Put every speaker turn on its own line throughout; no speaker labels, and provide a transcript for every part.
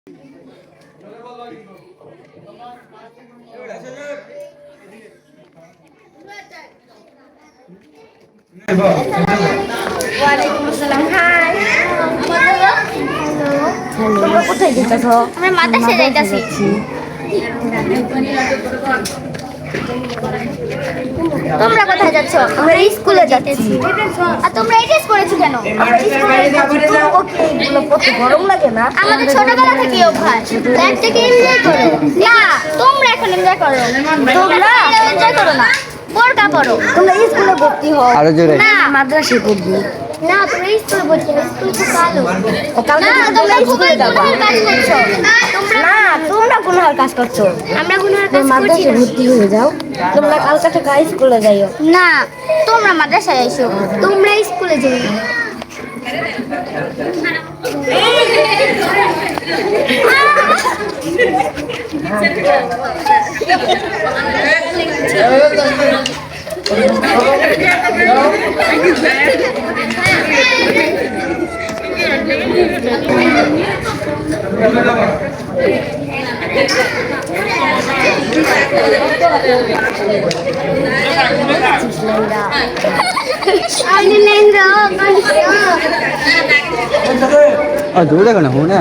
ওয়ালাইকুম আসসালাম। হাই, তোমরা কোথায় যেতেছ?
আমরা মাদ্রাসায় যাইতাছি। তোমরা কোথায় যাচ্ছ?
আমরা স্কুলে যাচ্ছি।
আর তোমরা এই ড্রেস পরেছো কেন?
আমরা স্কুলে যাচ্ছি। তোমাকে কি এগুলো পড়তে গরম লাগে না?
আমাদের ছোটবেলা থেকে অভ্যাস। লাইফটাকে এনজয় করো। না, তোমরা এখন এনজয় করো। তোমরা এনজয় করো না। বোরকা পরো।
তোমরা স্কুলে ভর্তি হও।
আরো জোরে।
না,
মাদ্রাসায় পড়বি।
না, তোমরা স্কুলে ভর্তি হও। স্কুল খুব ভালো।
কালকে
না,
তোমরা
তোমরা
স্কুলে যাবা।
কাজ করছো। তোমরা
না, তোমরা গুনার কাজ করছো।
আমরা গুনার
তোমরা
কাজ করছি
মাদ্রাসায়
না।
ভর্তি হয়ে যাও। তোমরা কালকে থেকে স্কুলে যাইও।
না, তোমরা মাদ্রাসায় আইসো। তোমরা স্কুলে যাও।
दूर देखो ना होने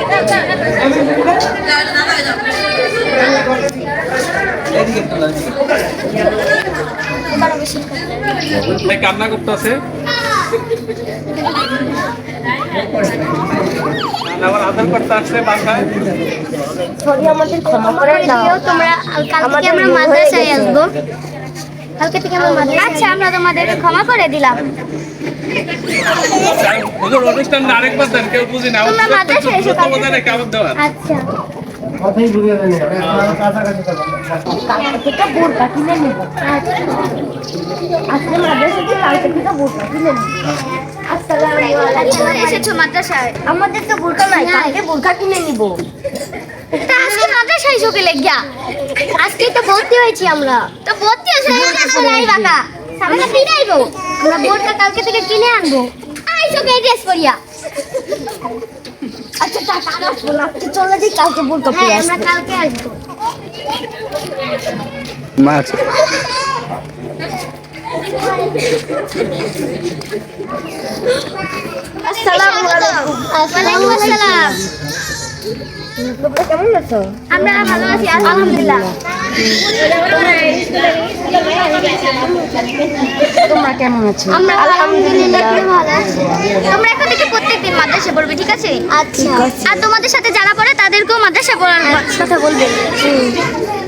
কান্না করতেছে আবার আদর করতে আসছে বাসায়।
সরি, আমাদের ক্ষমা করে দাও।
তোমরা কালকে আমরা মাদ্রাসায় আসবো। কালকে থেকে আমরা মাদ্রাসায়। আচ্ছা, আমরা তোমাদের ক্ষমা করে দিলাম।
হুজুর অনুষ্ঠান আরেকবার দেন, কেউ বুঝি না।
তোমরা মাদ্রাসায় এসো কালকে।
কেমন দেওয়ার
আচ্ছা,
কালকে থেকে বোরকা কিনে নেবো। আজকে মাদ্রাসাতে কালকে থেকে বোরকা কিনে নেবো। আসসালামু আলাইকুম।
এসেছো মাদ্রাসায়?
আমাদের তো বোরকা নাই, কালকে বোরকা কিনে নিব।
তা আজকে মাদ্রাসায় এসো কে লেগিয়া? আজকে তো ভর্তি হয়েছি আমরা। তো ভর্তি হয়েছে নাই বাবা। সামনে পিড়াইবো। আমরা বোরকা কালকে থেকে কিনে আনবো। আইসো কে ড্রেস পরিয়া।
আচ্ছা, টাকা রাখবো না, আজকে চলে যাই, কালকে বোরকা পরে
হ্যাঁ,
আসবো।
আমরা কালকে আসবো।
मार्च
আসসালামু আলাইকুম।
ওয়ালাইকুম আসসালাম।
তোমরা কেমন আছো?
আমরা ভালো আছি আলহামদুলিল্লাহ।
তোমরা কেমন আছো?
আমরা আলহামদুলিল্লাহ ভালো আছি। তোমরা এখন থেকে প্রত্যেকদিন মাদ্রাসায় পড়বে, ঠিক আছে?
আচ্ছা।
আর তোমাদের সাথে যারা পড়ে তাদেরকেও মাদ্রাসায় পড়ার কথা বলবে।